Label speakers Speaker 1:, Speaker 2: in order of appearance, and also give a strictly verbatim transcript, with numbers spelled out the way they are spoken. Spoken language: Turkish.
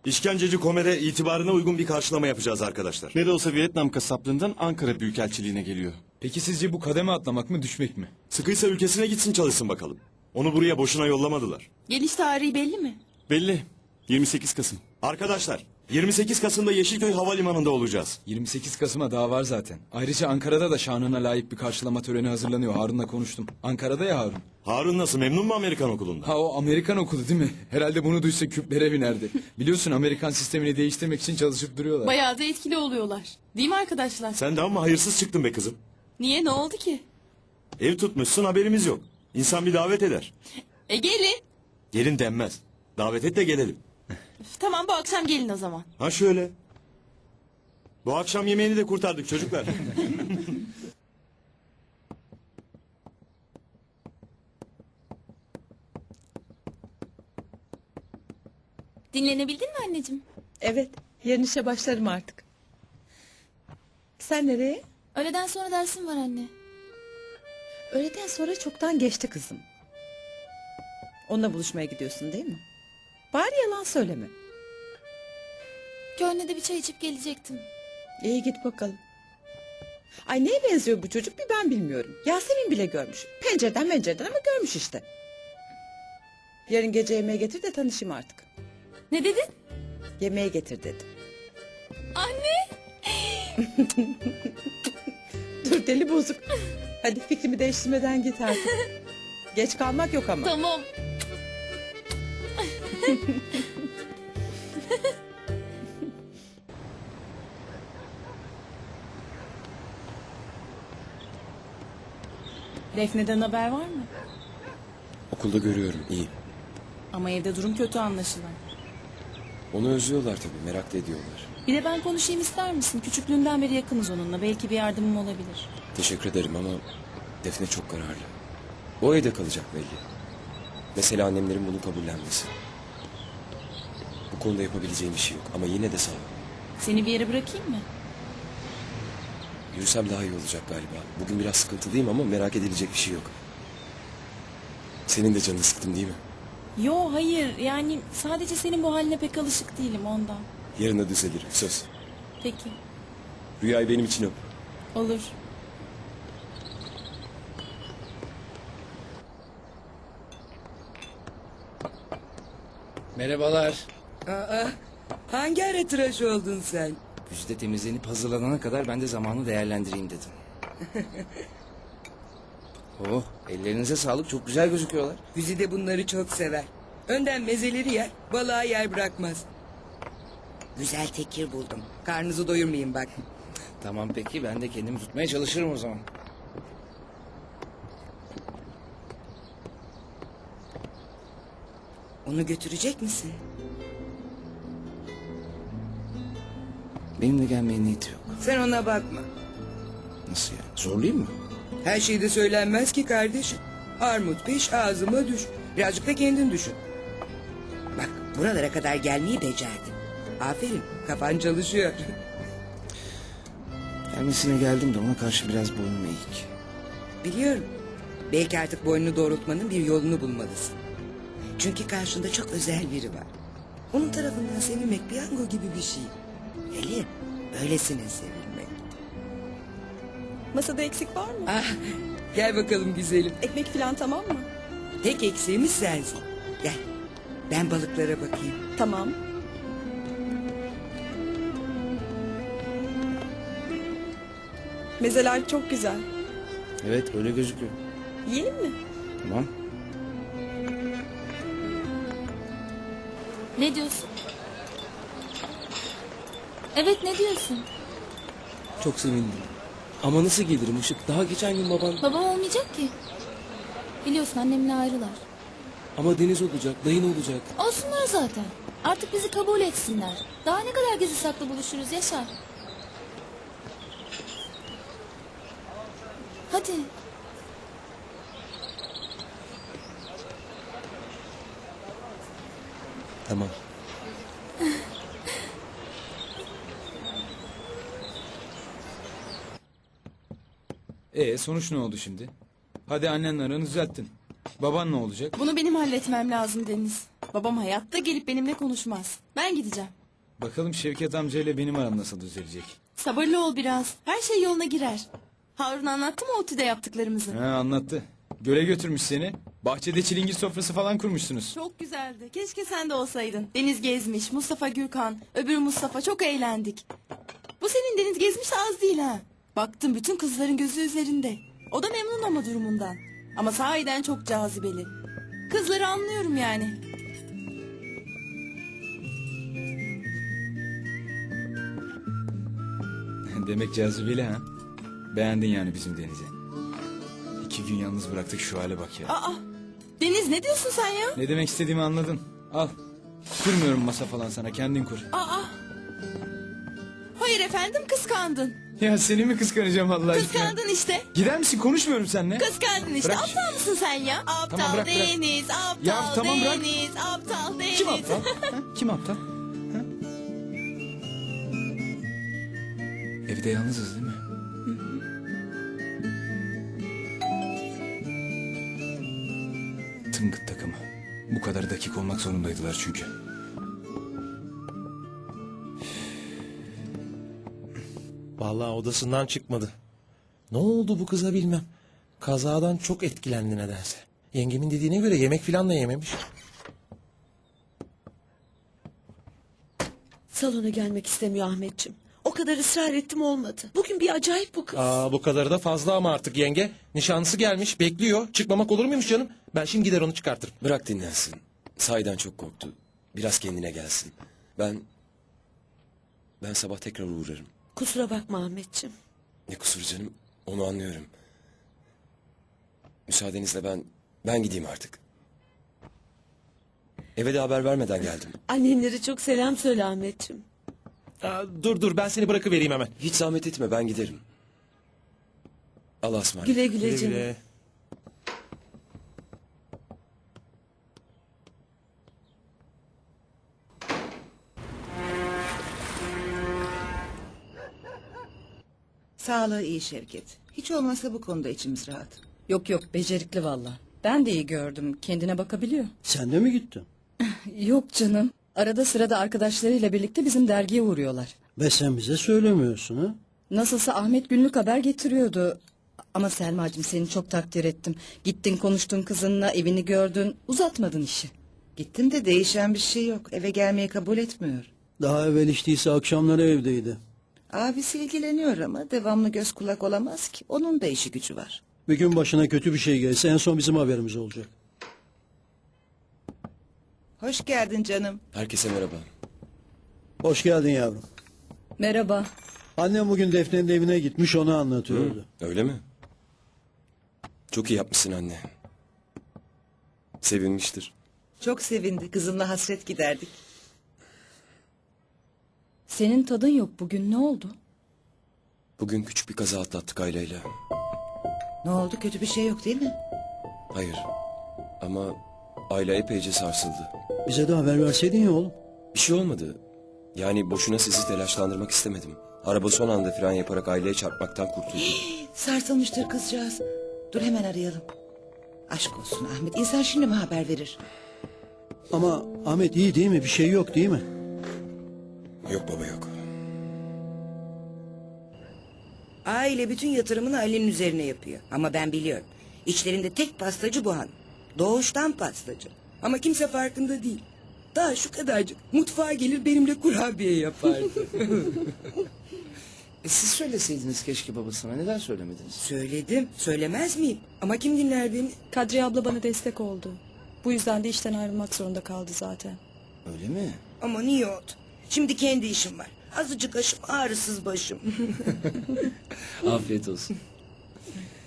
Speaker 1: İşkenceci Komer'e itibarına uygun bir karşılama yapacağız arkadaşlar.
Speaker 2: Ne de olsa Vietnam kasaplığından Ankara Büyükelçiliğine geliyor.
Speaker 3: Peki sizce bu kademe atlamak mı düşmek mi?
Speaker 1: Sıkıysa ülkesine gitsin çalışsın bakalım. Onu buraya boşuna yollamadılar.
Speaker 4: Geliş tarihi belli mi?
Speaker 2: Belli. yirmi sekiz Kasım.
Speaker 1: Arkadaşlar yirmi sekiz Kasım'da Yeşilköy Havalimanı'nda olacağız.
Speaker 3: yirmi sekiz Kasım'a daha var zaten. Ayrıca Ankara'da da şanına layık bir karşılama töreni hazırlanıyor. Harun'la konuştum. Ankara'da ya Harun.
Speaker 1: Harun nasıl, memnun mu Amerikan okulunda?
Speaker 3: Ha o Amerikan okulu değil mi? Herhalde bunu duysa küplere binerdi. Biliyorsun Amerikan sistemini değiştirmek için çalışıp duruyorlar.
Speaker 4: Bayağı da etkili oluyorlar. Değil mi arkadaşlar?
Speaker 1: Sen de ama hayırsız çıktın be kızım.
Speaker 4: Niye, ne oldu ki?
Speaker 1: Ev tutmuşsun, haberimiz yok. İnsan bir davet eder.
Speaker 4: E gelin.
Speaker 1: Gelin denmez. Davet et de gelelim.
Speaker 4: Üf, tamam, bu akşam gelin o zaman.
Speaker 1: Ha şöyle. Bu akşam yemeğini de kurtardık çocuklar.
Speaker 4: Dinlenebildin mi anneciğim?
Speaker 5: Evet, yarın işe başlarım artık. Sen nereye?
Speaker 4: Öğleden sonra dersim var anne.
Speaker 5: Öğleden sonra çoktan geçti kızım. Onunla buluşmaya gidiyorsun değil mi? Bari yalan söyleme.
Speaker 4: Köyüne de bir çay içip gelecektim.
Speaker 5: İyi git bakalım. Ay neye benziyor bu çocuk bir ben bilmiyorum. Yasemin bile görmüş. Pencereden pencereden ama görmüş işte. Yarın gece yemeğe getir de tanışayım artık.
Speaker 4: Ne dedin?
Speaker 5: Yemeğe getir dedim.
Speaker 4: Anne!
Speaker 5: Dur deli bozuk. Hadi fikrimi değiştirmeden git artık. Geç kalmak yok ama.
Speaker 4: Tamam.
Speaker 6: Defne'den haber var mı?
Speaker 7: Okulda görüyorum, iyi.
Speaker 6: Ama evde durum kötü anlaşılan.
Speaker 7: Onu özlüyorlar tabii, merak da ediyorlar.
Speaker 6: Bir de ben konuşayım ister misin? Küçüklüğünden beri yakınız onunla. Belki bir yardımım olabilir.
Speaker 7: Teşekkür ederim ama Defne çok kararlı. O evde kalacak belli. Mesela annemlerin bunu kabullenmesi. Bu konuda yapabileceğim bir şey yok ama yine de sağ ol.
Speaker 6: Seni bir yere bırakayım mı?
Speaker 7: Yürüsem daha iyi olacak galiba. Bugün biraz sıkıntılıyım ama merak edilecek bir şey yok. Senin de canını sıktım değil mi?
Speaker 6: Yo hayır yani sadece senin bu haline pek alışık değilim ondan.
Speaker 7: Yarın da düzelirim, söz.
Speaker 6: Peki
Speaker 7: Rüyayı benim için öp.
Speaker 6: olur.
Speaker 8: Merhabalar.
Speaker 9: Aa, hangi ara tıraş oldun sen?
Speaker 8: Güzide temizlenip hazırlanana kadar ben de zamanı değerlendireyim dedim. Oh, ellerinize sağlık, çok güzel gözüküyorlar.
Speaker 9: Güzide bunları çok sever. Önden mezeleri yer, balığa yer bırakmaz. Güzel tekir buldum. Karnınızı doyurmayın bak.
Speaker 8: Tamam peki, ben de kendimi tutmaya çalışırım o zaman.
Speaker 9: Onu götürecek misin?
Speaker 8: Benimle gelmeye niyeti yok.
Speaker 9: Sen ona bakma.
Speaker 8: Nasıl yani, zorlayayım mı?
Speaker 9: Her şeyde söylenmez ki kardeşim. Armut piş ağzıma düş. Birazcık da kendin düşün. Bak buralara kadar gelmeyi becerdin. Aferin, kafan çalışıyor.
Speaker 8: Gelmesine geldim de ona karşı biraz boynum eğik.
Speaker 9: Biliyorum. Belki artık boynunu doğrultmanın bir yolunu bulmalısın. Çünkü karşında çok özel biri var. Onun tarafından sevilmek piyango gibi bir şey. Hele öylesine sevilmek.
Speaker 5: Masada eksik var mı?
Speaker 9: Ah, gel bakalım güzelim.
Speaker 5: Ekmek falan tamam mı?
Speaker 9: Tek eksiğimiz sensin. Gel. Ben balıklara bakayım.
Speaker 5: Tamam. Mezeler çok güzel.
Speaker 8: Evet, öyle gözüküyor.
Speaker 5: Yiyelim mi?
Speaker 8: Tamam.
Speaker 4: Ne diyorsun? Evet, ne diyorsun?
Speaker 7: Çok sevindim. Ama nasıl gelirim Işık? Daha geçen gün baban...
Speaker 4: Babam olmayacak ki. Biliyorsun annemle ayrılar.
Speaker 7: Ama Deniz olacak, dayın olacak.
Speaker 4: Olsunlar zaten. Artık bizi kabul etsinler. Daha ne kadar gizli saklı buluşuruz Yaşar. Hadi.
Speaker 7: Tamam.
Speaker 3: Ee sonuç ne oldu şimdi? Hadi annenle aranı düzelttin. Baban ne olacak?
Speaker 4: Bunu benim halletmem lazım Deniz. Babam hayatta gelip benimle konuşmaz. Ben gideceğim.
Speaker 3: Bakalım Şevket amcayla benim aram nasıl düzelecek.
Speaker 6: Sabırlı ol biraz. Her şey yoluna girer. Harun anlattı mı ODTÜ'de yaptıklarımızı?
Speaker 3: Ha, anlattı. Göle götürmüş seni. Bahçede çilingir sofrası falan kurmuşsunuz.
Speaker 6: Çok güzeldi. Keşke sen de olsaydın. Deniz gezmiş, Mustafa Gürkan, öbür Mustafa, çok eğlendik. Bu senin Deniz gezmiş de az değil ha. Baktım bütün kızların gözü üzerinde. O da memnun ama durumundan. Ama sahiden çok cazibeli. Kızları anlıyorum yani.
Speaker 3: Demek cazibeli ha. Beğendin yani bizim Deniz'i. İki gün yalnız bıraktık, şu hale bak ya.
Speaker 6: Aa, Deniz ne diyorsun sen ya?
Speaker 3: Ne demek istediğimi anladın. Al. Kurmuyorum masa falan sana, kendin kur.
Speaker 6: Aa. Hayır efendim, kıskandın.
Speaker 3: Ya seni mi kıskanacağım Allah aşkına?
Speaker 6: Kıskandın işte.
Speaker 3: Gider misin, konuşmuyorum seninle.
Speaker 6: Kıskandın işte.
Speaker 3: Bırak.
Speaker 6: Aptal mısın sen ya? Aptal
Speaker 3: Tamam, bırak, bırak.
Speaker 6: Deniz, aptal
Speaker 3: Ya, tamam, bırak.
Speaker 6: Deniz, aptal Deniz.
Speaker 3: Kim aptal? Ha? Kim aptal? Ha? Evde yalnızız değil mi? Tıngıt takımı. Bu kadar dakik olmak zorundaydılar çünkü.
Speaker 10: Vallahi odasından çıkmadı. Ne oldu bu kıza bilmem. Kazadan çok etkilendi nedense. Yengemin dediğine göre yemek filan da yememiş.
Speaker 11: Salona gelmek istemiyor Ahmetciğim. O kadar ısrar ettim olmadı. Bugün bir acayip bu kız.
Speaker 10: Aa, bu kadarı da fazla ama artık yenge. Nişanlısı gelmiş bekliyor. Çıkmamak olur muymuş canım? Ben şimdi gider onu çıkartırım.
Speaker 7: Bırak dinlensin. Sahiden çok korktu. Biraz kendine gelsin. Ben... Ben sabah tekrar uğrarım.
Speaker 11: Kusura bakma Ahmetciğim.
Speaker 7: Ne kusur canım, onu anlıyorum. Müsaadenizle ben... Ben gideyim artık. Eve de haber vermeden geldim.
Speaker 11: Annenlere çok selam söyle Ahmetciğim.
Speaker 10: Aa, dur dur ben seni bırakıvereyim hemen.
Speaker 7: Hiç zahmet etme, ben giderim. Allah'a ısmarladık.
Speaker 11: Güle güle,
Speaker 10: Güle
Speaker 11: canım.
Speaker 10: güle.
Speaker 9: Sağlığı iyi Şevket. Hiç olmazsa bu konuda içimiz rahat.
Speaker 6: Yok yok, becerikli valla. Ben de iyi gördüm. Kendine bakabiliyor.
Speaker 1: Sen de mi gittin?
Speaker 6: Yok canım. Arada sırada arkadaşlarıyla birlikte bizim dergiye uğruyorlar.
Speaker 1: Ve sen bize söylemiyorsun ha?
Speaker 6: Nasılsa Ahmet günlük haber getiriyordu. Ama Selma'cığım, seni çok takdir ettim. Gittin konuştun kızınla, evini gördün, uzatmadın işi.
Speaker 9: Gittim de değişen bir şey yok. Eve gelmeyi kabul etmiyor.
Speaker 1: Daha evvel içtiyse akşamları evdeydi.
Speaker 9: Abisi ilgileniyor ama devamlı göz kulak olamaz ki. Onun da işi gücü var.
Speaker 1: Bir gün başına kötü bir şey gelse en son bizim haberimiz olacak.
Speaker 9: Hoş geldin canım.
Speaker 7: Herkese merhaba.
Speaker 1: Hoş geldin yavrum.
Speaker 6: Merhaba.
Speaker 1: Annem bugün Defne'nin evine gitmiş, onu anlatıyordu.
Speaker 7: Öyle mi? Çok iyi yapmışsın anne. Sevinmiştir.
Speaker 9: Çok sevindi. Kızımla hasret giderdik.
Speaker 6: Senin tadın yok bugün, ne oldu?
Speaker 7: Bugün küçük bir kaza atlattık aileyle.
Speaker 9: Ne oldu? Kötü bir şey yok değil mi?
Speaker 7: Hayır. Ama aile epeyce sarsıldı.
Speaker 1: Bize de haber verseydin ya oğlum.
Speaker 7: Bir şey olmadı. Yani boşuna sizi telaşlandırmak istemedim. Araba son anda fren yaparak aileye çarpmaktan kurtuldu.
Speaker 9: Sarsılmıştır kızcağız. Dur hemen arayalım. Aşk olsun Ahmet. İnsan şimdi mi haber verir?
Speaker 1: Ama Ahmet iyi değil mi? Bir şey yok değil mi?
Speaker 7: Yok baba yok.
Speaker 9: Aile bütün yatırımını Ali'nin üzerine yapıyor. Ama ben biliyorum. İçlerinde tek pastacı bu han. Doğuştan pastacı. Ama kimse farkında değil. Daha şu kadarcık mutfağa gelir benimle kurabiye yapardı.
Speaker 8: E siz söyleseydiniz keşke babasına. Neden söylemediniz?
Speaker 9: Söyledim. Söylemez miyim? Ama kim dinler beni?
Speaker 6: Kadriye abla bana destek oldu. Bu yüzden de işten ayrılmak zorunda kaldı zaten.
Speaker 8: Öyle mi?
Speaker 9: Ama niye oldu? Şimdi kendi işim var. Azıcık aşım ağrısız başım.
Speaker 8: Afiyet olsun.